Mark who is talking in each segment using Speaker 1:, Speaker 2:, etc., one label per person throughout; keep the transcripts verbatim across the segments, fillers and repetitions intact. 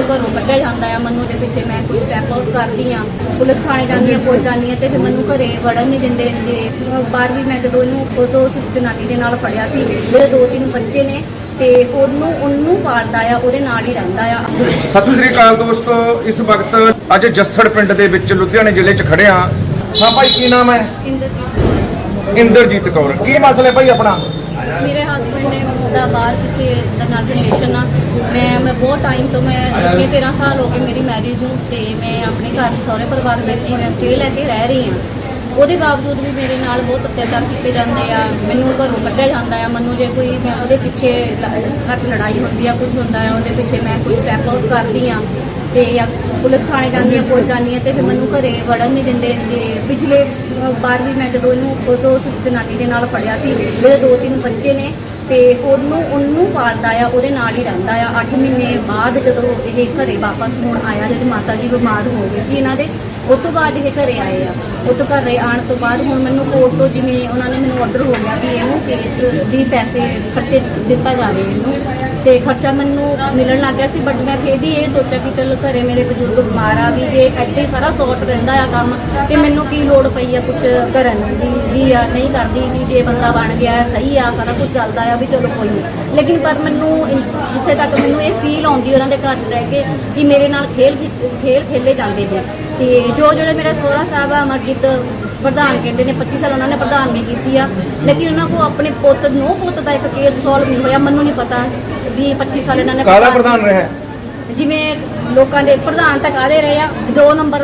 Speaker 1: ਮੈਨੂੰ ਘਰੋਂ ਕੱਢਿਆ ਜਾਂਦਾ ਆ। ਮੈਨੂੰ ਦੇ ਪਿੱਛੇ ਮੈਂ ਕੋਈ ਸਟੈਪ ਆਊਟ ਕਰਦੀ ਆ, ਪੁਲਿਸ ਥਾਣੇ ਜਾਂਦੀ ਆ, ਪੁੱਛ ਜਾਂਦੀ ਆ ਤੇ ਫਿਰ ਮੈਨੂੰ ਘਰੇ ਵੜਨ ਨਹੀਂ ਦਿੰਦੇ। ਤੇ ਬਾਹਰ ਵੀ ਮੈਂ ਜਦੋਂ ਇਹਨੂੰ ਉਦੋਂ ਉਸ ਜਨਾਨੀ ਦੇ ਨਾਲ ਫੜਿਆ ਸੀ, ਉਹਦੇ ਦੋ ਤਿੰਨ ਬੱਚੇ ਨੇ ਤੇ ਉਹਨੂੰ ਉਹਨੂੰ ਪਾਲਦਾ ਆ, ਉਹਦੇ ਨਾਲ ਹੀ ਰਹਿੰਦਾ ਆ।
Speaker 2: ਸਤਿ ਸ੍ਰੀ ਅਕਾਲ ਦੋਸਤੋ, ਇਸ ਵਕਤ ਅੱਜ ਜੱਸੜ ਪਿੰਡ ਦੇ ਵਿੱਚ ਲੁਧਿਆਣੇ ਜ਼ਿਲ੍ਹੇ 'ਚ ਖੜੇ ਹਾਂ। ਹਾਂ ਭਾਈ, ਕੀ ਨਾਮ ਹੈ?
Speaker 1: ਇੰਦਰਜੀਤ
Speaker 2: ਇੰਦਰਜੀਤ ਕੌਰ। ਕੀ ਮਸਲਾ ਹੈ ਭਾਈ ਆਪਣਾ?
Speaker 1: ਮੇਰੇ ਹਸਬੈਂਡ ਨੇ ਦਾ ਬਾਹਰ ਕਿਸੇ ਦਾ ਨਾਲ ਰਿਲੇਸ਼ਨ ਆ। ਮੈਂ ਮੈਂ ਬਹੁਤ ਟਾਈਮ ਤੋਂ ਮੈਂ ਅੱਗੇ ਤੇਰਾਂ ਸਾਲ ਹੋ ਗਏ ਮੇਰੀ ਮੈਰਿਜ ਨੂੰ, ਤੇ ਮੈਂ ਆਪਣੇ ਘਰ ਸਹੁਰੇ ਪਰਿਵਾਰ ਵਿੱਚ ਹੀ ਮੈਂ ਸਟੇ ਲੈ ਕੇ ਰਹਿ ਰਹੀ ਹਾਂ। ਉਹਦੇ ਬਾਵਜੂਦ ਵੀ ਮੇਰੇ ਨਾਲ ਬਹੁਤ ਅਤਿਆਚਾਰ ਕੀਤੇ ਜਾਂਦੇ ਆ, ਮੈਨੂੰ ਘਰੋਂ ਕੱਢਿਆ ਜਾਂਦਾ ਆ। ਮੈਨੂੰ ਜੇ ਕੋਈ ਮੈਂ ਉਹਦੇ ਪਿੱਛੇ ਘਰ 'ਚ ਲੜਾਈ ਹੁੰਦੀ ਆ, ਕੁਝ ਹੁੰਦਾ ਆ, ਉਹਦੇ ਪਿੱਛੇ ਮੈਂ ਕੋਈ ਸਟੈਪ ਆਊਟ ਕਰਦੀ ਆ ਤੇ ਜਾਂ ਪੁਲਿਸ ਥਾਣੇ ਜਾਂਦੀ ਆ, ਪੁੱਛ ਜਾਂਦੀ ਆ ਤੇ ਫਿਰ ਮੈਨੂੰ ਘਰੇ ਵੜਨ ਨਹੀਂ ਦਿੰਦੇ। ਤੇ ਪਿਛਲੇ ਵਾਰ ਵੀ ਮੈਂ ਜਦੋਂ ਇਹਨੂੰ ਉਦੋਂ ਉਸ ਜਨਾਨੀ ਦੇ ਨਾਲ ਫੜਿਆ ਸੀ, ਉਹਦੇ ਦੋ ਤਿੰਨ ਬੱਚੇ ਨੇ ਤੇ ਉਹਨੂੰ ਉਹਨੂੰ ਪਾਲਦਾ ਆ, ਉਹਦੇ ਨਾਲ ਹੀ ਰਹਿੰਦਾ ਆ। ਅੱਠ ਮਹੀਨੇ ਬਾਅਦ ਜਦੋਂ ਇਹ ਘਰੇ ਵਾਪਸ ਹੁਣ ਆਇਆ, ਜਦੋਂ ਮਾਤਾ ਜੀ ਬਿਮਾਰ ਹੋ ਗਏ ਸੀ ਇਹਨਾਂ ਦੇ, ਉਸ ਤੋਂ ਬਾਅਦ ਇਹ ਘਰੇ ਆਏ ਆ। ਉਹ ਤੋਂ ਘਰੇ ਆਉਣ ਤੋਂ ਬਾਅਦ ਹੁਣ ਮੈਨੂੰ ਕੋਰਟ ਤੋਂ ਜਿਵੇਂ ਉਹਨਾਂ ਨੇ ਮੈਨੂੰ ਆਰਡਰ ਹੋ ਗਿਆ ਕਿ ਇਹਨੂੰ ਕੇਸ ਦੀ ਪੈਸੇ ਖਰਚੇ ਦਿੱਤਾ ਜਾਵੇ ਇਹਨੂੰ, ਤੇ ਖਰਚਾ ਮੈਨੂੰ ਮਿਲਣ ਲੱਗ ਗਿਆ ਸੀ। ਬਟ ਮੈਂ ਫਿਰ ਵੀ ਇਹ ਸੋਚਿਆ ਕਿ ਚਲੋ ਘਰੇ ਮੇਰੇ ਬਜ਼ੁਰਗ ਬਿਮਾਰ ਆ, ਵੀ ਜੇ ਇੱਥੇ ਸਾਰਾ ਸੌਟ ਰਹਿੰਦਾ ਆ ਕੰਮ, ਤੇ ਮੈਨੂੰ ਕੀ ਲੋੜ ਪਈ ਆ ਕੁਝ ਕਰਨ ਦੀ ਵੀ ਆ ਨਹੀਂ ਕਰਦੀ, ਵੀ ਜੇ ਬੰਦਾ ਬਣ ਗਿਆ ਸਹੀ ਆ, ਸਾਰਾ ਕੁਝ ਚੱਲਦਾ ਆ, ਵੀ ਚਲੋ ਕੋਈ ਨਹੀਂ। ਲੇਕਿਨ ਪਰ ਮੈਨੂੰ ਜਿੱਥੇ ਤੱਕ ਮੈਨੂੰ ਇਹ ਫੀਲ ਆਉਂਦੀ ਉਹਨਾਂ ਦੇ ਘਰ 'ਚ ਰਹਿ ਕੇ ਕਿ ਮੇਰੇ ਨਾਲ ਖੇਲ ਖੇਲ ਖੇਲੇ ਜਾਂਦੇ ਨੇ। ਤੇ ਜੋ ਜਿਹੜੇ ਮੇਰੇ ਸਹੁਰਾ ਸਾਹਿਬ ਆ ਅਮਰਜੀਤ ਪ੍ਰਧਾਨ ਕਹਿੰਦੇ ਨੇ, ਪੱਚੀ ਸਾਲ ਉਹਨਾਂ ਨੇ ਪ੍ਰਧਾਨਗੀ ਕੀਤੀ ਆ, ਲੇਕਿਨ ਉਹਨਾਂ ਕੋਲ ਆਪਣੇ ਪੁੱਤ ਨੌ ਪੁੱਤ ਦਾ ਇੱਕ ਕੇਸ ਸੋਲਵ ਨਹੀਂ ਹੋਇਆ। ਮੈਨੂੰ ਨਹੀਂ ਪਤਾ ਵੀ ਪੱਚੀ ਸਾਲ ਇਹਨਾਂ ਨੇ
Speaker 2: ਕਾਹਦਾ ਪ੍ਰਧਾਨ ਰਿਹਾ?
Speaker 1: ਜਿਵੇਂ ਲੋਕਾਂ ਦੇ ਪ੍ਰਧਾਨ ਤਾਂ ਕਾਹਦੇ ਰਹੇ ਆ, ਦੋ ਨੰਬਰ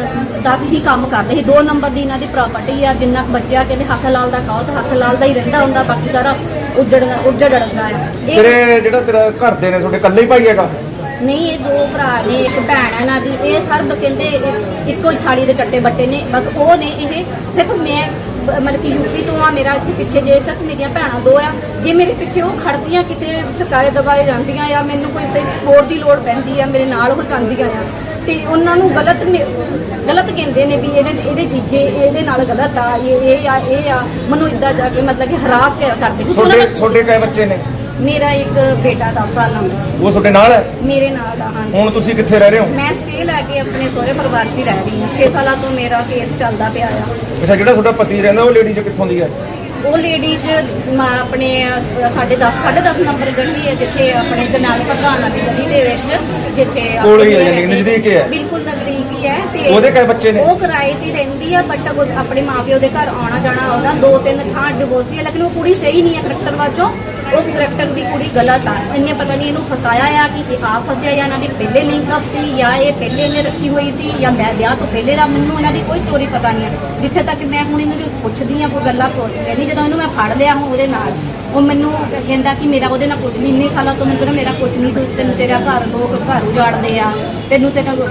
Speaker 1: ਦਾ ਹੀ ਕੰਮ ਕਰਦੇ ਸੀ। ਦੋ ਨੰਬਰ ਦੀ ਇਹਨਾਂ ਦੀ ਪ੍ਰਾਪਰਟੀ ਆ, ਜਿੰਨਾ ਕੁ ਬਚਿਆ ਕਹਿੰਦੇ ਹੱਕ ਲਾਲ ਦਾ ਕਹੋ ਤਾਂ ਹੱਕ ਲਾਲ ਦਾ ਹੀ ਰਹਿੰਦਾ ਹੁੰਦਾ, ਬਾਕੀ ਸਾਰਾ ਉੱਜੜਦਾ ਉੱਜੜਦਾ ਆ।
Speaker 2: ਤੇਰੇ ਜਿਹੜਾ ਤੇਰਾ ਘਰ ਦੇ ਨੇ ਤੁਹਾਡੇ ਇਕੱਲੇ ਹੀ ਭਾਈ ਹੈਗਾ?
Speaker 1: ਨਹੀਂ, ਇਹ ਦੋ ਭਰਾ ਨੇ, ਇੱਕ ਭੈਣ ਹੈ ਇਹਨਾਂ ਦੀ। ਇਹ ਸਰਬ ਕਹਿੰਦੇ ਇੱਕੋ ਹੀ ਥਾਲੀ ਦੇ ਚੱਟੇ ਬੱਟੇ ਨੇ, ਬਸ ਉਹ ਨੇ। ਇਹ ਸਿਰਫ ਮੈਂ ਮਤਲਬ ਕਿ ਯੂਪੀ ਤੋਂ ਆ, ਮੇਰਾ ਇੱਥੇ ਪਿੱਛੇ ਜੇ ਸਿਰਫ ਮੇਰੀਆਂ ਭੈਣਾਂ ਦੋ ਆ, ਜੇ ਮੇਰੇ ਪਿੱਛੇ ਉਹ ਖੜਦੀਆਂ ਕਿਤੇ ਸਰਕਾਰੇ ਦਬਾਏ ਜਾਂਦੀਆਂ ਆ, ਮੈਨੂੰ ਕੋਈ ਸਹੀ ਸਪੋਰਟ ਦੀ ਲੋੜ ਪੈਂਦੀ ਆ, ਮੇਰੇ ਨਾਲ ਹੋ ਜਾਂਦੀਆਂ ਆ, ਤੇ ਉਹਨਾਂ ਨੂੰ ਗਲਤ ਗਲਤ ਕਹਿੰਦੇ ਨੇ ਵੀ ਇਹਦੇ ਇਹਦੇ ਚੀਜ਼ੇ ਇਹਦੇ ਨਾਲ ਗਲਤ ਆ, ਇਹ ਇਹ ਆ ਇਹ ਆ ਮੈਨੂੰ ਇੱਦਾਂ ਜਾ ਕੇ ਮਤਲਬ ਕਿ ਹਰਾਸ ਕਰਦੇ।
Speaker 2: ਤੁਹਾਡੇ ਤੁਹਾਡੇ ਕਈ ਬੱਚੇ ਨੇ?
Speaker 1: ਮੇਰਾ ਇੱਕ ਬੇਟਾ ਦਸ ਸਾਲਾਂ ਦਾ।
Speaker 2: ਉਹ ਤੁਹਾਡੇ ਨਾਲ ਹੈ?
Speaker 1: ਮੇਰੇ ਨਾਲ ਆ। ਹਾਂ।
Speaker 2: ਹੁਣ ਤੁਸੀਂ ਕਿੱਥੇ ਰਹਿ ਰਹੇ ਹੋ?
Speaker 1: ਮੈਂ ਸਟੇ ਲੈ ਕੇ ਆਪਣੇ ਸਹੁਰੇ ਪਰਿਵਾਰ 'ਚ ਹੀ ਰਹਿ ਰਹੀ ਹਾਂ। ਛੇ ਸਾਲਾਂ ਤੋਂ ਮੇਰਾ ਕੇਸ ਚੱਲਦਾ ਪਿਆ ਆ।
Speaker 2: ਅੱਛਾ, ਜਿਹੜਾ ਤੁਹਾਡਾ ਪਤੀ ਰਹਿੰਦਾ ਉਹ ਲੇਡੀ 'ਚ ਕਿੱਥੋਂ ਦੀ ਹੈ?
Speaker 1: ਉਹ ਲੇਡੀਜ਼ ਆਪਣੇ ਸਾਡੇ ਦਸ ਸਾਢੇ ਦਸ ਨੰਬਰ ਗਲੀ ਹੈ, ਜਿੱਥੇ ਆਪਣੇ ਜਨਾਲ ਪ੍ਰਧਾਨ ਵਾਲੀ ਗਲੀ ਦੇ ਵਿੱਚ, ਜਿੱਥੇ
Speaker 2: ਕੋਲ ਹੀ ਹੈ, ਯਾਨੀ ਨਜ਼ਦੀਕ ਹੈ।
Speaker 1: ਬਿਲਕੁਲ ਨਜ਼ਦੀਕ ਹੀ ਹੈ। ਤੇ
Speaker 2: ਉਹਦੇ ਕਈ ਬੱਚੇ ਨੇ?
Speaker 1: ਉਹ ਕਿਰਾਏ ਤੇ ਰਹਿੰਦੀ ਆ, ਬਟ ਉਹ ਆਪਣੇ ਮਾਪਿਓ ਦੇ ਘਰ ਆਉਣਾ ਜਾਣਾ ਉਹਦਾ ਦੋ ਤਿੰਨ ਥਾਂ ਡਿਵੋਰਸੀ ਹੈ, ਲੇਕਿਨ ਉਹ ਕੁੜੀ ਸਹੀ ਨਹੀਂ ਹੈ ਕਰੈਕਟਰ ਵਜੋਂ। ਉਹ ਕਰੈਕਟਰ ਦੀ ਕੁੜੀ ਗਲਤ ਆ। ਇਹਨੇ ਪਤਾ ਨਹੀਂ ਇਹਨੂੰ ਫਸਾਇਆ ਆ ਕਿ ਇਹ ਆਪ ਫਸਿਆ, ਜਾਂ ਇਹਨਾਂ ਦੀ ਪਹਿਲੇ ਲਿੰਕ ਅਪ ਸੀ, ਜਾਂ ਇਹ ਪਹਿਲੇ ਇਹਨੇ ਰੱਖੀ ਹੋਈ ਸੀ, ਜਾਂ ਮੈਂ ਵਿਆਹ ਤੋਂ ਪਹਿਲੇ ਦਾ। ਮੈਨੂੰ ਇਹਨਾਂ ਦੀ ਕੋਈ ਸਟੋਰੀ ਪਤਾ ਨਹੀਂ ਹੈ। ਜਿੱਥੇ ਤੱਕ ਮੈਂ ਹੁਣ ਇਹਨੂੰ ਪੁੱਛਦੀ ਆ, ਕੋਈ ਗੱਲਾਂ ਕਹਿੰਦੀ, ਜਦੋਂ ਇਹਨੂੰ ਮੈਂ ਫੜ ਲਿਆ ਹੁਣ ਉਹਦੇ ਨਾਲ, ਉਹ ਮੈਨੂੰ ਕਹਿੰਦਾ ਕਿ ਮੇਰਾ ਉਹਦੇ ਨਾਲ ਕੁਝ ਨਹੀਂ, ਇੰਨੇ ਸਾਲਾਂ ਤੋਂ ਮੈਨੂੰ ਕਹਿੰਦਾ ਮੇਰਾ ਕੁਝ ਨਹੀਂ, ਤੈਨੂੰ ਤੇਰਾ ਘਰ ਲੋਕ ਘਰ ਉਜਾੜਦੇ ਆ, ਤੈਨੂੰ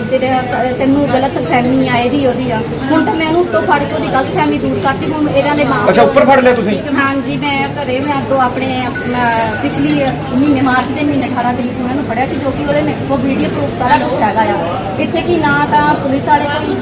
Speaker 1: ਤੇਰਾ ਤੈਨੂੰ ਗਲਤ ਫਹਿਮੀ ਆ ਇਹਦੀ ਉਹਦੀ ਆ। ਹੁਣ ਤਾਂ ਮੈਂ ਇਹਨੂੰ ਉੱਤੋਂ ਫੜ ਕੇ ਉਹਦੀ ਗਲਤ ਫਹਿਮੀ ਦੂਰ ਕਰਤੀ। ਹੁਣ ਇਹਨਾਂ ਦੇ ਮਾਂ।
Speaker 2: ਅੱਛਾ, ਉੱਪਰ ਫੜ ਲਿਆ ਤੁਸੀਂ?
Speaker 1: ਹਾਂਜੀ, ਮੈਂ ਘਰੇ ਮੈਂ ਤੋਂ ਆਪਣੇ ਪਿਛਲੀ ਮਹੀਨੇ ਮਾਰਚ ਦੇ ਮਹੀਨੇ ਅਠਾਰਾਂ ਤਰੀਕ ਨੂੰ ਇਹਨੂੰ ਫੜਿਆ ਸੀ, ਜੋ ਕਿ ਉਹਦੇ ਮੇਰੇ ਕੋਲ ਵੀਡੀਓ ਪ੍ਰੂਫ ਸਾਰਾ ਕੁਝ ਹੈਗਾ ਆ। ਇੱਥੇ ਕੀ ਨਾ ਤਾਂ ਪੁਲਿਸ ਵਾਲੇ ਕੋਈ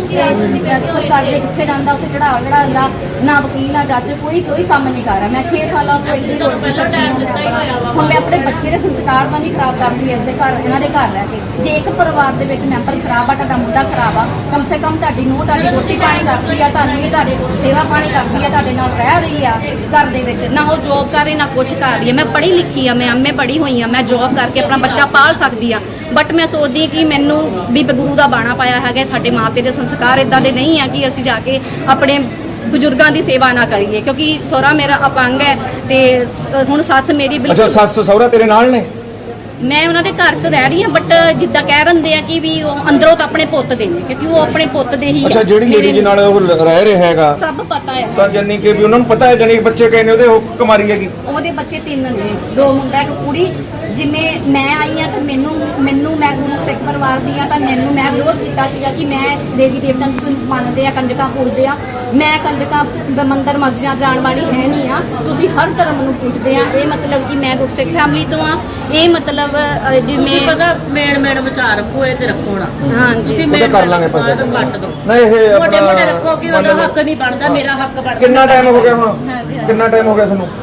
Speaker 1: ਕੁਝ ਕਰਦੇ, ਜਿੱਥੇ ਜਾਂਦਾ ਉੱਥੇ ਚੜਾ ਚੜਾ ਹੁੰਦਾ, ਨਾ ਵਕੀਲ ਨਾ ਜੱਜ, ਕੋਈ ਕੋਈ ਕੰਮ ਨਹੀਂ ਕਰ ਰਿਹਾ। ਮੈਂ ਛੇ ਸਾਲਾਂ ਤੋਂ ਇੱਥੇ ਰੋਡ ਤੇ ਕਰਦੀ ਹਾਂ। ਹੁਣ ਮੈਂ ਆਪਣੇ ਬੱਚੇ ਦੇ ਸੰਸਕਾਰ ਤਾਂ ਨਹੀਂ ਖਰਾਬ ਕਰਦੀ ਇਸਦੇ ਘਰ, ਇਹਨਾਂ ਦੇ ਘਰ ਰਹਿ ਕੇ। ਜੇ ਇੱਕ ਪਰਿਵਾਰ ਦੇ ਵਿੱਚ ਮੈਂਬਰ ਖਰਾਬ ਆ, ਤੁਹਾਡਾ ਮੁੰਡਾ ਖਰਾਬ ਆ, ਕਮ ਸੇ ਕਮ ਤੁਹਾਡੀ ਨੂੰਹ ਤੁਹਾਡੀ ਰੋਟੀ ਪਾਣੀ ਕਰਦੀ ਆ, ਤੁਹਾਨੂੰ ਤੁਹਾਡੇ ਸੇਵਾ ਪਾਣੀ ਕਰਦੀ ਆ, ਤੁਹਾਡੇ ਨਾਲ ਰਹਿ ਰਹੀ ਆ ਘਰ ਦੇ ਵਿੱਚ, ਨਾ ਉਹ ਜੋਬ ਕਰ ਰਹੀ ਨਾ ਕੁਝ ਕਰ ਰਹੀ ਹੈ। ਮੈਂ ਪੜ੍ਹੀ ਲਿਖੀ ਆ, ਮੈਂ ਐਮਏ ਪੜ੍ਹੀ ਹੋਈ ਆ, ਮੈਂ ਜੋਬ ਕਰਕੇ ਆਪਣਾ ਬੱਚਾ ਪਾਲ ਸਕਦੀ ਆ, ਬਟ ਮੈਂ ਸੋਚਦੀ ਕਿ ਮੈਨੂੰ ਵੀ ਗੁਰੂ ਦਾ ਬਾਣਾ ਪਾਇਆ ਹੈਗਾ। ਸਾਡੇ ਮਾਪੇ ਦੇ ਸੰਸਕਾਰ ਇਦਾਂ ਦੇ ਨਹੀਂ ਆ ਕਿ ਅਸੀਂ ਜਾ ਕੇ ਆਪਣੇ ਬਜ਼ੁਰਗਾਂ ਦੀ ਸੇਵਾ ਨਾ ਕਰੀਏ, ਕਿਉਂਕਿ ਸਹੁਰਾ ਮੇਰਾ ਅਪੰਗ ਹੈ ਤੇ ਹੁਣ ਸੱਸ ਮੇਰੀ
Speaker 2: ਬਿਲਕੁਲ। ਅੱਛਾ, ਸੱਸ ਸਹੁਰਾ ਤੇਰੇ ਨਾਲ ਨੇ?
Speaker 1: ਮੈਂ ਉਹਨਾਂ ਦੇ ਘਰ 'ਚ ਰਹਿ ਰਹੀ ਹਾਂ, ਬਟ ਜਿੱਦਾਂ ਕਹਿ ਰਹਿੰਦੇ ਆ ਕਿ ਵੀ ਉਹ ਅੰਦਰੋਂ ਤਾਂ ਆਪਣੇ ਪੁੱਤ ਦੇ ਨੇ, ਕਿਉਂਕਿ ਉਹ ਆਪਣੇ ਪੁੱਤ ਦੇ ਹੀ।
Speaker 2: ਅੱਛਾ, ਜਿਹੜੀ ਲੇਡੀ ਦੇ ਨਾਲ ਉਹ ਰਹਿ ਰਿਹਾ ਹੈਗਾ
Speaker 1: ਸਭ ਪਤਾ ਹੈ
Speaker 2: ਤਾਂ, ਜਾਨੀ ਕਿ ਵੀ ਉਹਨਾਂ ਨੂੰ ਪਤਾ ਹੈ, ਜਾਨੀ ਕਿ ਬੱਚੇ ਕਹੇ ਨੇ ਉਹਦੇ ਉਹ ਕੁਮਾਰੀ ਹੈਗੀ?
Speaker 1: ਉਹਦੇ ਬੱਚੇ ਤਿੰਨ ਨੇ, ਦੋ ਮੁੰਡਾ ਇੱਕ ਕੁੜੀ। ਜਿਵੇਂ ਮੈਂ ਆਈ ਆ ਤਾਂ ਮੈਨੂੰ ਮੈਨੂੰ ਮੈਂ ਗੁਰੂ ਸਿੱਖ ਪਰਿਵਾਰ ਦੀ ਆ, ਤਾਂ ਮੈਨੂੰ ਮੈਂ ਵਿਰੋਧ ਕੀਤਾ ਸੀਗਾ ਕਿ ਮੈਂ ਦੇਵੀ ਦੇਵਤਾਂ ਨੂੰ ਮੰਨਦੇ ਆ, ਕੰਜਕਾਂ ਪੂਜਦੇ ਆ, ਮੈਂ ਕੰਜਕਾਂ ਮੰਦਰ ਮਸਜਿਦਾਂ ਜਾਣ ਵਾਲੀ ਹੈ ਨਹੀਂ ਆ, ਤੁਸੀਂ ਹਰ ਧਰਮ ਨੂੰ ਪੂਜਦੇ ਆ। ਇਹ ਮਤਲਬ ਕਿ ਮੈਂ ਗੁਰਸਿੱਖ ਫੈਮਿਲੀ ਤੋਂ ਆ। ਇਹ ਮਤਲਬ ਜਿਵੇਂ
Speaker 3: ਪਤਾ ਮੇਨ ਮੇਨ ਵਿਚਾਰ ਰੱਖੋ, ਇਹ ਤੇ ਰੱਖੋ ਨਾ।
Speaker 1: ਹਾਂਜੀ,
Speaker 3: ਤੁਸੀਂ
Speaker 2: ਉਹਦਾ ਕਰ ਲਾਂਗੇ ਪੈਸੇ
Speaker 3: ਕੱਟ ਦੋ।
Speaker 2: ਨਹੀਂ, ਇਹ
Speaker 3: ਮੋਟੇ ਮੋਟੇ
Speaker 2: ਆਪਣਾ
Speaker 3: ਰੱਖੋ ਕਿ ਉਹਦਾ ਹੱਕ ਨਹੀਂ ਬਣਦਾ, ਮੇਰਾ ਹੱਕ ਬਣਦਾ।
Speaker 2: ਕਿੰਨਾ ਟਾਈਮ ਹੋ ਗਿਆ ਹੁਣ? ਕਿੰਨਾ ਟਾਈਮ ਹੋ ਗਿਆ ਤੁਹਾਨੂੰ?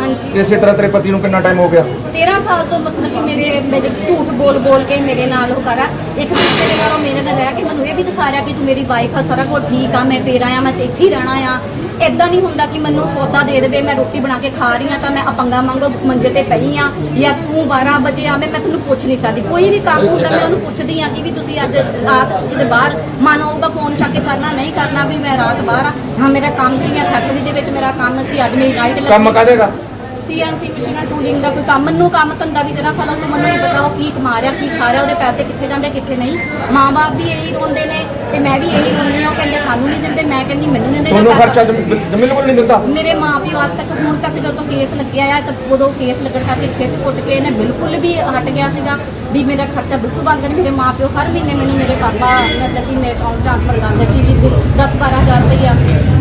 Speaker 1: ਹਾਂਜੀ।
Speaker 2: ਇਸੇ ਤਰ੍ਹਾਂ ਤੇਰੇ ਪਤੀ ਨੂੰ ਕਿੰਨਾ ਟਾਈਮ ਹੋ ਗਿਆ?
Speaker 1: ਤੇਰਾਂ ਸਾਲ ਤੋਂ ਮਤਲਬ ਕਿ ਮੇਰੇ ਮੇਰੇ ਝੂਠ ਬੋਲ ਬੋਲ ਕੇ ਮੇਰੇ ਨਾਲ ਉਹ ਕਰਾ। ਇੱਕ ਦੂਜੇ ਦੇ ਨਾਲ ਉਹ ਮੇਰੇ ਨਾਲ ਰਹਿ ਕੇ ਮੈਨੂੰ ਇਹ ਵੀ ਦਿਖਾ ਰਿਹਾ ਕਿ ਤੂੰ ਮੇਰੀ ਵਾਈਫ ਆ, ਸਾਰਾ ਕੁਝ ਠੀਕ ਆ, ਮੈਂ ਤੇਰਾ ਆ, ਮੈਂ ਤੇ ਇੱਥੇ ਹੀ ਰਹਿਣਾ ਆ। ਇਦਾਂ ਨਹੀਂ ਹੁੰਦਾ ਕਿ ਮੈਨੂੰ ਸੌਦਾ ਦੇ ਦੇਵੇ, ਮੈਂ ਰੋਟੀ ਬਣਾ ਕੇ ਖਾ ਰਹੀ ਹਾਂ ਤਾਂ ਮੈਂ ਅਪੰਗਾ ਮੰਗੋ ਮੰਜੇ ਤੇ ਪਈ ਆ, ਜਾਂ ਤੂੰ ਬਾਰਾਂ ਵਜੇ ਆਵੇਂ, ਮੈਂ ਤੈਨੂੰ ਪੁੱਛ ਨਹੀਂ ਸਕਦੀ। ਕੋਈ ਵੀ ਕੰਮ ਹੁੰਦਾ ਮੈਂ ਉਹਨੂੰ ਪੁੱਛਦੀ ਆ ਕਿ ਵੀ ਤੁਸੀਂ ਅੱਜ ਰਾਤ ਕਿਤੇ ਬਾਹਰ ਮਨ ਆਊਗਾ ਫੋਨ ਚੱਕ ਕੇ ਕਰਨਾ, ਨਹੀਂ ਕਰਨਾ ਵੀ ਮੈਂ ਰਾਤ ਬਾਹਰ ਆ। ਹਾਂ ਮੇਰਾ ਕੰਮ ਸੀ, ਮੈਂ ਫੈਕਟਰੀ ਦੇ ਵਿੱਚ ਮੇਰਾ ਕੰਮ ਸੀ, ਅੱਜ ਮੇਰੀ ਨਾਈਟ ਲੱਗੀ।
Speaker 2: ਕੰਮ ਕਾਹਦੇਗਾ?
Speaker 1: ਸੀਐਨਸੀ ਮਸ਼ੀਨਾਂ ਟੂਲਿੰਗ ਦਾ ਕੋਈ ਕੰਮ, ਮੈਨੂੰ ਕੰਮ ਧੰਦਾ ਵੀ ਤੇਰਾਂ ਸਾਲਾਂ ਤੋਂ ਮੈਨੂੰ ਨਹੀਂ ਪਤਾ ਉਹ ਕੀ ਕਮਾ ਰਿਹਾ, ਕੀ ਖਾ ਰਿਹਾ, ਉਹਦੇ ਪੈਸੇ ਕਿੱਥੇ ਜਾਂਦੇ ਕਿੱਥੇ ਨਹੀਂ। ਮਾਂ-ਬਾਪ ਵੀ ਇਹੀ ਰੋਂਦੇ ਨੇ ਤੇ ਮੈਂ ਵੀ ਇਹੀ ਰੋਂਦੀ ਹਾਂ। ਉਹ ਕਹਿੰਦੇ ਸਾਨੂੰ ਨਹੀਂ ਦਿੰਦੇ, ਮੈਂ ਕਹਿੰਦੀ ਮੈਨੂੰ ਨਹੀਂ ਦਿੰਦੇ।
Speaker 2: ਤੁਹਾਨੂੰ ਖਰਚਾ ਬਿਲਕੁਲ ਨਹੀਂ ਦਿੰਦਾ?
Speaker 1: ਮੇਰੇ ਮਾਂ-ਪਿਓ ਅੱਜ ਤੱਕ ਹੁਣ ਤੱਕ ਜਦੋਂ ਕੇਸ ਲੱਗਿਆ ਆ ਤਾਂ ਉਦੋਂ ਕੇਸ ਲੱਗਣ ਕਰਕੇ ਖਿੱਚ ਕੁੱਟ ਕੇ ਇਹਨੇ ਬਿਲਕੁਲ ਵੀ ਹਟ ਗਿਆ ਸੀਗਾ ਵੀ ਮੇਰਾ ਖਰਚਾ ਬਿਲਕੁਲ ਬੰਦ ਕਰ। ਮੇਰੇ ਮਾਂ-ਪਿਓ ਹਰ ਮਹੀਨੇ ਮੈਨੂੰ ਮੇਰੇ ਪਾਪਾ ਮਤਲਬ ਕਿ ਮੇਰੇ ਅਕਾਊਂਟ ਟ੍ਰਾਂਸਫਰ ਕਰਦੇ ਸੀ ਵੀ ਦਸ ਬਾਰਾਂ ਹਜ਼ਾਰ ਰੁਪਈਆ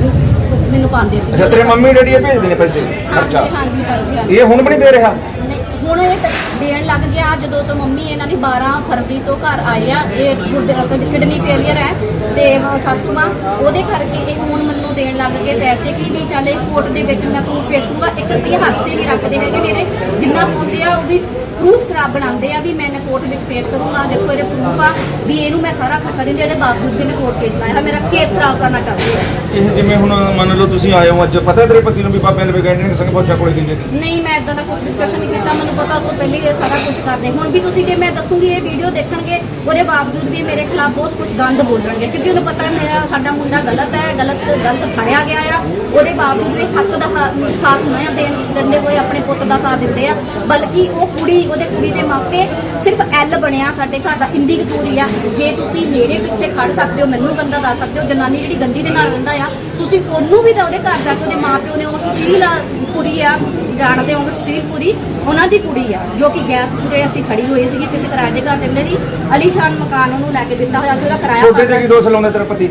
Speaker 1: ਮੈਨੂੰ ਪਾਉਂਦੇ ਸੀ।
Speaker 2: ਅੱਛਾ, ਤੇਰੇ ਮੰਮੀ ਡੈਡੀ ਇਹ ਭੇਜਦੇ ਨੇ ਪੈਸੇ ਖਰਚਾ?
Speaker 1: ਹਾਂਜੀ ਹਾਂਜੀ ਕਰਦੇ ਹਨ।
Speaker 2: ਇਹ ਹੁਣ ਵੀ ਨਹੀਂ ਦੇ ਰਿਹਾ?
Speaker 1: ਨਹੀਂ, ਹੁਣ ਇਹ ਤਾਂ ਦੇਣ ਲੱਗ ਗਿਆ। ਜਦੋਂ ਤੋਂ ਮੰਮੀ ਇਹਨਾਂ ਦੀ ਬਾਰਾਂ ਫਰਵਰੀ ਤੋਂ ਘਰ ਆਏ ਆ, ਇਹ ਕਿਡਨੀ ਫੇਲੀਅਰ ਹੈ ਤੇ ਸਾਸੂ ਮਾਂ ਉਹਦੇ ਕਰਕੇ ਇਹ ਹੁਣ ਮੈਨੂੰ ਦੇਣ ਲੱਗ ਗਏ ਪੈਸੇ ਕਿ ਵੀ ਚੱਲ ਇਹ ਕੋਰਟ ਦੇ ਵਿੱਚ ਮੈਂ ਪ੍ਰੂਫ ਪੇਸ਼ ਕਰੂੰਗਾ। ਇੱਕ ਰੁਪਈਆ ਹੱਥ ਤੇ ਨਹੀਂ ਰੱਖਦੇ ਹੈਗੇ ਮੇਰੇ, ਜਿੰਨਾ ਪਾਉਂਦੇ ਆ ਉਹ ਵੀ ਪ੍ਰੂਫ ਖਰਾਬ ਬਣਾਉਂਦੇ ਆ ਵੀ ਮੈਂ ਕੋਰਟ ਵਿੱਚ ਪੇਸ਼ ਕਰੂੰਗਾ। ਦੇਖੋ ਇਹਦੇ ਪ੍ਰੂਫ ਆ ਵੀ ਇਹਨੂੰ ਮੈਂ ਸਾਰਾ ਖਰਚਾ ਦਿੰਦੀ, ਇਹਦੇ ਬਾਵਜੂਦ ਵੀ ਇਹਨੇ ਕੋਰਟ ਕੇਸ ਲਾਇਆ, ਮੇਰਾ ਕੇਸ ਖਰਾਬ ਕਰਨਾ ਚਾਹੁੰਦੇ ਆ।
Speaker 2: ਇਹ ਜਿਵੇਂ ਹੁਣ ਮੰਨ ਲਓ ਤੁਸੀਂ ਆਏ ਹੋ ਅੱਜ, ਪਤਾ ਤੇਰੇ ਪਤੀ ਨੂੰ ਵੀ ਬਾਬਿਆਂ ਦੇ ਗੈਂਡੇ ਨੇ ਸੰਗ ਪਹੁੰਚਾ ਕੋਲੇ ਦਿੰਦੇ?
Speaker 1: ਨਹੀਂ, ਮੈਂ ਇਦਾਂ ਦਾ ਕੁਝ ਡਿਸਕਸ਼ਨ ਨਹੀਂ ਕੀਤਾ। ਮੈਨੂੰ ਪਤਾ ਉਹ ਤੋਂ ਪਹਿਲੇ ਇਹ ਸਾਰਾ ਕੁਝ ਕਰਦੇ। ਹੁਣ ਵੀ ਤੁਸੀਂ ਜੇ ਮੈਂ ਦੱਸੂਗੀ ਇਹ ਵੀਡੀਓ ਦੇਖਣਗੇ, ਉਹਦੇ ਬਾਵਜੂਦ ਵੀ ਮੇਰੇ ਖਿਲਾਫ ਬਹੁਤ ਕੁਝ ਗੰਦ ਬੋਲਣਗੇ ਕਿਉਂਕਿ ਉਹਨੂੰ ਪਤਾ ਮੇਰਾ ਸਾਡਾ ਮੁੰਡਾ ਗਲਤ ਹੈ, ਗਲਤ ਗਲਤ ਫੜਿਆ ਗਿਆ ਆ। ਉਹਦੇ ਬਾਵਜੂਦ ਵੀ ਸੱਚ ਦਾ ਹਾ- ਸਾਥ ਨਹੀਂ ਦੇਣ ਦਿੰਦੇ ਹੋਏ ਆਪਣੇ ਪੁੱਤ ਦਾ ਸਾਥ ਦਿੰਦੇ ਆ। ਬਲਕਿ ਉਹ ਕੁੜੀ, ਉਹਦੇ ਕੁੜੀ ਦੇ ਮਾਪੇ ਸਿਰਫ ਐਲ ਬਣਿਆ ਸਾਡੇ ਘਰ ਦਾ, ਇੰਦੀ ਕਤੂਰੀ ਆ। ਜੇ ਤੁਸੀਂ ਮੇਰੇ ਪਿੱਛੇ ਖੜ ਸਕਦੇ ਹੋ, ਮੈਨੂੰ ਗੰਦਾ ਦੱਸ ਸਕਦੇ ਹੋ, ਜਨਾਨੀ ਜਿਹੜੀ ਗੰਦੀ ਦੇ ਨਾਲ ਰਹਿੰਦਾ ਆ, ਤੁਸੀਂ ਉਹਨੂੰ ਵੀ ਤਾਂ ਉਹਦੇ ਘਰ ਜਾ ਕੇ ਉਹਦੇ ਮਾਪਿਓ ਨੇ ਉਹ ਸੁਸ਼ੀਲ ਕੁੜੀ ਆ, ਜਾਣਦੇ ਹੋ ਸੁਸ਼ੀਲ ਪੁਰੀ, ਉਹਨਾਂ ਦੀ ਕੁੜੀ ਆ ਜੋ ਕਿ ਗੈਸ ਪੂਰੇ ਅਸੀਂ ਖੜੀ ਹੋਈ ਸੀਗੀ ਕਿਸੇ ਕਿਰਾਏ ਦੇ ਘਰ ਦੇ ਜੀ, ਅਲੀਸ਼ਾਨ ਮਕਾਨ ਉਹਨੂੰ ਲੈ ਕੇ ਦਿੱਤਾ ਹੋਇਆ ਸੀ, ਉਹਦਾ ਕਿਰਾਇਆ
Speaker 2: ਛੋਟੇ ਤੇ ਕੀ ਦੋਸ਼ ਲਾਉਂਦਾ ਤੇਰਾ ਪਤੀ?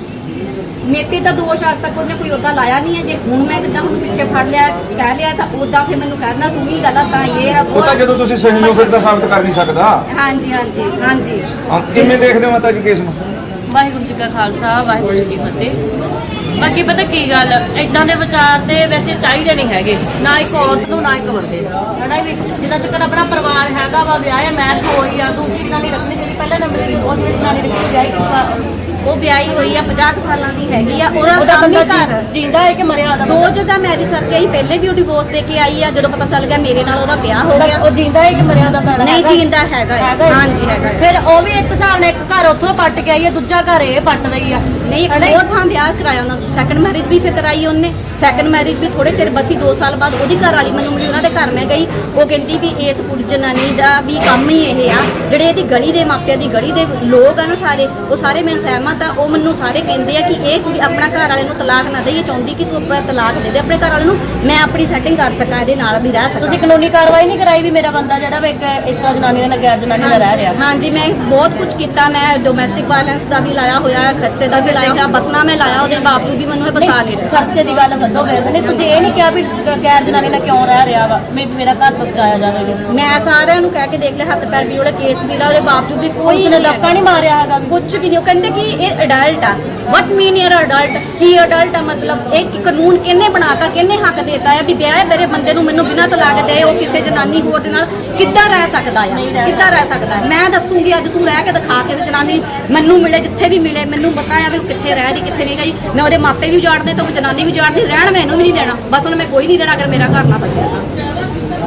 Speaker 1: ਮੇਤੇ ਦਾ ਦੋਸ਼ ਅੱਜ ਤੱਕ ਉਹਨੇ ਕੋਈ ਉਹਦਾ ਲਾਇਆ ਨਹੀਂ ਹੈ। ਜੇ ਹੁਣ ਮੈਂ ਜਿੱਦਾਂ ਹੁਣ ਪਿੱਛੇ ਫੜ ਲਿਆ ਕਹਿ ਲਿਆ ਤਾਂ ਉਹਦਾ ਫਿਰ ਮੈਨੂੰ ਕਹਿਣਾ ਤੂੰ ਵੀ ਗਲਤ ਆ, ਇਹ ਹੈ
Speaker 2: ਉਹ ਤਾਂ ਜਦੋਂ ਤੁਸੀਂ ਸਹੀ ਹੋ ਫਿਰ ਤਾਂ ਸਾਬਤ ਕਰ ਨਹੀਂ ਸਕਦਾ।
Speaker 1: ਹਾਂਜੀ ਹਾਂਜੀ ਹਾਂਜੀ।
Speaker 2: ਹਾਂ, ਕਿਵੇਂ ਦੇਖਦੇ ਹੋ ਮਾਤਾ ਜੀ ਕੇਸ ਨੂੰ?
Speaker 3: ਵਾਹਿਗੁਰੂ ਜੀ ਕਾ ਖਾਲਸਾ, ਵਾਹਿਗੁਰੂ ਜੀ ਕੀ ਫਤਿਹ। ਬਾਕੀ ਪਤਾ ਕੀ ਗੱਲ, ਇਦਾਂ ਦੇ ਵਿਚਾਰ ਤੇ ਵੈਸੇ ਚਾਹੀਦੇ ਨਹੀਂ ਹੈਗੇ, ਨਾ ਇੱਕ ਔਰਤ ਨੂੰ ਨਾ ਇੱਕ ਬੰਦੇ ਨੂੰ, ਹਨਾ ਵੀ। ਜਿੱਦਾਂ ਚੱਕਰ ਆਪਣਾ ਪਰਿਵਾਰ ਹੈਗਾ ਵਾ, ਵਿਆਹ ਹੈ, ਮੈਰਿਜ ਹੋਈ ਆ, ਦੂਸਰੀ ਜਨਾਨੀ ਰੱਖਣੀ ਜਿਹੜੀ ਪਹਿਲੇ ਨੰਬਰ ਦੀ ਉਹ ਜਿਹੜੀ ਜਨਾਨੀ ਰੱਖੀ ਵਿਆਹੀ
Speaker 1: ਉਹ ਵਿਆਹੀ ਹੋਈ ਆ, ਪੰਜਾਹ ਕੁ ਸਾਲਾਂ ਦੀ ਹੈਗੀ ਆ। ਉਹਦਾ
Speaker 3: ਉਹਦਾ
Speaker 1: ਕੰਮ ਹੀ
Speaker 3: ਬੰਦਾ
Speaker 1: ਘਰ
Speaker 3: ਜਿੰਦਾ ਹੈ ਕਿ ਮਰਿਆ ਉਹਦਾ
Speaker 1: ਦੋ
Speaker 3: ਬੰਦਾ?
Speaker 1: ਜਗ੍ਹਾ ਮੈਰਿਜ ਕਰਕੇ ਆਈ, ਪਹਿਲੇ ਵੀ ਉਹ ਡਿਵੋਰਸ ਦੇ ਕੇ ਆਈ ਆ। ਜਦੋਂ ਪਤਾ ਚੱਲ ਗਿਆ ਮੇਰੇ ਨਾਲ ਉਹਦਾ ਵਿਆਹ ਹੋ ਗਿਆ।
Speaker 3: ਉਹ ਜਿੰਦਾ ਹੈ ਕਿ ਮਰਿਆ ਉਹਦਾ ਭੈਣ?
Speaker 1: ਨਹੀਂ ਜੀਂਦਾ ਹੈਗਾ ਆ।
Speaker 3: ਹੈਗਾ ਹੈ।
Speaker 1: ਹਾਂਜੀ ਹੈਗਾ ਆ।
Speaker 3: ਫਿਰ ਉਹ ਵੀ ਇੱਕ ਹਿਸਾਬ ਨਾਲ ਇੱਕ ਘਰ ਉੱਥੋਂ ਪੱਟ ਕੇ ਆਈ ਹੈ, ਦੂਜਾ ਘਰ ਇਹ ਪੱਟ ਰਹੀ ਆ।
Speaker 1: ਨਹੀਂ,
Speaker 3: ਹਨਾ?
Speaker 1: ਉਹ ਥਾਂ ਵਿਆਹ ਕਰਾਇਆ ਉਹਨਾਂ, ਸੈਕੰਡ ਮੈਰਿਜ ਵੀ ਫਿਰ ਕਰਾਈ ਉਹਨੇ। ਸੈਕੰਡ ਮੈਰਿਜ ਵੀ ਥੋੜੇ ਚਿਰ ਬਸੀ ਦੋ ਸਾਲ ਬਾਅਦ ਉਹਦੀ ਘਰ ਵਾਲੀ ਮੈਨੂੰ ਮਿਲੀ, ਉਹਨਾਂ ਦੇ ਘਰ ਮੈਂ ਗਈ। ਉਹ ਕਹਿੰਦੀ ਵੀ ਇਸ ਕੁੜੀ ਜਨਾਨੀ ਦਾ ਵੀ ਕੰਮ ਹੀ ਇਹ ਆ, ਜਿਹੜੇ ਇਹਦੀ ਗਲੀ ਦੇ ਮਾਪਿਆਂ ਦੀ ਗਲੀ ਦੇ ਲੋਕ ਆ ਨਾ ਸਾਰੇ, ਉਹ ਸਾਰੇ ਮੈਂ ਸਹਿਮਤ ਆ। ਉਹ ਮੈਨੂੰ ਸਾਰੇ ਕਹਿੰਦੇ ਆ ਕਿ ਇਹ ਕੁੜੀ ਆਪਣਾ ਘਰ ਵਾਲੇ ਨੂੰ ਤਲਾਕ ਨਾ ਦੇ, ਇਹ ਚਾਹੁੰਦੀ ਕਿ ਤੂੰ ਆਪਣਾ ਤਲਾਕ ਦੇ ਦੇ ਆਪਣੇ ਘਰ ਵਾਲੇ ਨੂੰ, ਮੈਂ ਆਪਣੀ ਸੈਟਿੰਗ ਕਰ ਸਕਾਂ, ਇਹਦੇ ਨਾਲ ਵੀ ਰਹਿ ਸਕਾਂ।
Speaker 3: ਤੁਸੀਂ ਕਾਨੂੰਨੀ ਕਾਰਵਾਈ ਨਹੀਂ ਕਰਾਈ ਵੀ ਮੇਰਾ ਬੰਦਾ ਜਿਹੜਾ ਵਾ ਇੱਕ ਇਸ ਤਰ੍ਹਾਂ ਜਨਾਨੀ ਨਾਲ ਗੈਰ ਜਨਾਨੀ ਨਾਲ ਰਹਿ ਰਿਹਾ?
Speaker 1: ਹਾਂਜੀ, ਮੈਂ ਬਹੁਤ ਕੁਝ ਕੀਤਾ। ਮੈਂ ਡੋਮੈਸਟਿਕ ਵਾਇਲੈਂਸ ਦਾ ਵੀ ਲਾਇਆ ਹੋਇਆ, ਖਰਚੇ ਦਾ ਵੀ ਲਾਇਆ ਹੋਇਆ, ਬਸਣਾ ਮੈਂ ਲਾਇਆ, ਉਹਦੇ ਬਾਵਜੂਦ ਵੀ ਮੈਨੂੰ ਇਹ ਬਸਾ ਨਹੀਂ ਰਿਹਾ।
Speaker 3: ਖਰਚੇ ਦੀ ਗੱਲ ਛੱਡੋ, ਵੈਸੇ ਨਹੀਂ ਤੁਸੀਂ ਇਹ ਨਹੀਂ ਕਿਹਾ ਵੀ ਗੈਰ ਜਨਾਨੀ ਨਾਲ ਕਿਉਂ ਰਹਿ ਰਿਹਾ ਵਾ, ਮੈਂ ਮੇਰਾ ਘਰ ਪਹੁੰਚਾਇਆ ਜਾਵੇ?
Speaker 1: ਮੈਂ ਸਾਰਿਆਂ ਨੂੰ ਕਹਿ ਕੇ ਦੇਖ ਲਿਆ, ਹੱਥ ਪੈਰ ਵੀ ਉਹਦਾ ਕੇਸ ਵੀ ਲਾ, ਉਹਦੇ ਬਾਵਜੂਦ ਵੀ ਕੋਈ
Speaker 3: ਉਹਨੇ ਧੱਕਾ ਨਹੀਂ ਮਾਰਿਆ ਹੈਗਾ?
Speaker 1: ਕੁਝ ਵੀ ਨਹੀਂ। ਉਹ ਕਹਿੰਦੇ ਕਿ ਇਹ ਅਡਲਟ ਆ। ਵਟ ਮੀਨ ਯਰ ਅਡਲਟ? ਕੀ ਅਡਲਟ ਆ ਮਤਲਬ? ਇਹ ਕੀ ਕਾਨੂੰਨ ਕਿਹਨੇ ਬਣਾਤਾ, ਕਿਹਨੇ ਹੱਕ ਦੇਤਾ ਹੈ ਵੀ ਵਿਆਹ ਮੇਰੇ ਬੰਦੇ ਨੂੰ ਮੈਨੂੰ ਬਿਨਾਂ ਤਲਾਕ ਦੇ ਉਹ ਕਿਸੇ ਜਨਾਨੀ ਹੋਰ ਦੇ ਨਾਲ ਕਿੱਦਾਂ ਰਹਿ ਸਕਦਾ ਆ? ਕਿੱਦਾਂ ਰਹਿ ਸਕਦਾ ਹੈ? ਮੈਂ ਦੱਸੂਗੀ ਅੱਜ, ਤੂੰ ਰਹਿ ਕੇ ਦਿਖਾ ਕੇ ਤੇ ਜਨਾਨੀ ਮੈਨੂੰ ਮਿਲੇ, ਜਿੱਥੇ ਵੀ ਮਿਲੇ ਮੈਨੂੰ ਪਤਾ ਆ ਵੀ ਉਹ ਕਿੱਥੇ ਰਹਿ ਰਹੀ ਕਿੱਥੇ ਨਹੀਂ ਗਈ। ਮੈਂ ਉਹਦੇ ਮਾਪੇ ਵੀ ਉਜਾੜਦੇ ਤੇ ਉਹ ਜਨਾਨੀ ਵੀ ਉਜਾੜਦੀ, ਰਹਿਣ ਮੈਨੂੰ ਵੀ ਨਹੀਂ ਦੇਣਾ, ਬਸ ਉਹਨੂੰ ਮੈਂ ਕੋਈ ਨਹੀਂ ਦੇਣਾ ਅਗਰ ਮੇਰਾ ਘਰ ਨਾ ਬਚਿਆ ਤਾਂ।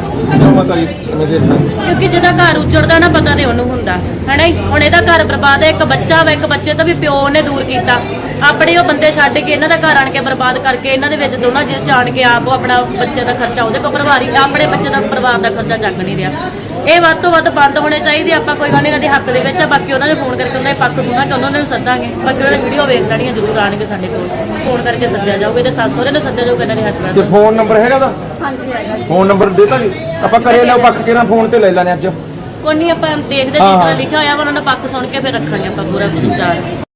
Speaker 2: ਮਾਤਾ ਜੀ ਕਿਵੇਂ ਦੇਖਦੇ ਹੋ?
Speaker 3: ਕਿਉਂਕਿ ਜਿਹਦਾ ਘਰ ਉਜੜਦਾ ਨਾ ਪਤਾ ਨਹੀਂ ਉਹਨੂੰ ਹੁੰਦਾ, ਹਨਾ ਜੀ। ਹੁਣ ਇਹਦਾ ਘਰ ਬਰਬਾਦ ਹੈ, ਇੱਕ ਬੱਚਾ ਵਾ, ਇੱਕ ਬੱਚੇ ਤੋਂ ਵੀ ਪਿਓ ਨੇ ਦੂਰ ਕੀਤਾ, ਆਪਣੇ ਉਹ ਬੰਦੇ ਛੱਡ ਕੇ ਇਹਨਾਂ ਦਾ ਘਰ ਆਣ ਕੇ ਬਰਬਾਦ ਕਰਕੇ ਇਹਨਾਂ ਦੇ ਵਿੱਚ ਦੋਨਾਂ ਚੀਜ਼ ਜਾਣ ਕੇ ਆਪ ਉਹ ਆਪਣਾ ਬੱਚੇ ਦਾ ਖਰਚਾ ਉਹਦੇ ਕੋਲ ਪਰਿਵਾਰੀ, ਆਪਣੇ ਬੱਚੇ ਦਾ ਪਰਿਵਾਰ ਦਾ ਖਰਚਾ ਚੱਕ ਨਹੀਂ ਰਿਹਾ। ਇਹ ਵੱਧ ਤੋਂ ਵੱਧ ਬੰਦ ਹੋਣੇ ਚਾਹੀਦੇ। ਆਪਾਂ ਕੋਈ ਗੱਲ ਨਹੀਂ ਇਹਨਾਂ ਦੇ ਹੱਕ ਦੇ ਵਿੱਚ ਆ, ਬਾਕੀ ਉਹਨਾਂ ਦੇ ਫੋਨ ਕਰਕੇ ਉਹਨਾਂ ਦੇ ਪੱਖ ਸੁਣਾਂਗੇ, ਉਹਨਾਂ ਨੂੰ ਸੱਦਾਂਗੇ। ਬਾਕੀ ਉਹਨਾਂ ਦੀ ਵੀਡੀਓ ਵੇਖ ਲੈਣੀਆਂ, ਜ਼ਰੂਰ ਆਣਗੇ ਸਾਡੇ ਕੋਲ, ਫੋਨ ਕਰਕੇ ਸੱਦਿਆ ਜਾਊਗਾ, ਇਹਦੇ ਸੱਸ ਸਹੁਰੇ ਨੂੰ ਸੱਦਿਆ ਜਾਊਗਾ, ਇਹਨਾਂ ਦੇ
Speaker 2: ਤੇ
Speaker 3: ਹਸਬੈਂਡ।
Speaker 2: ਫੋਨ ਨੰਬਰ ਹੈਗਾ ਉਹਦਾ?
Speaker 1: ਹਾਂਜੀ ਹੈਗਾ।
Speaker 2: ਫੋਨ ਨੰਬਰ ਦੇਤਾ ਜੀ, ਆਪਾਂ ਕਰੇ ਲਓ ਪੱਕ ਕੇ ਨਾ ਫੋਨ ਤੇ ਲੈ ਲੈਣੇ ਅੱਜ।
Speaker 3: ਕੋਈ ਨਹੀਂ, ਆਪਾਂ ਦੇਖਦੇ ਜਿਸ ਤਰ੍ਹਾਂ ਲਿਖਿਆ ਹੋਇਆ ਵਾ ਉਹਨਾਂ ਦਾ ਪੱਖ ਸੁਣ ਕੇ ਫਿਰ ਰੱਖਾਂਗੇ ਆਪਾਂ ਪੂਰਾ ਵਿਚਾਰ।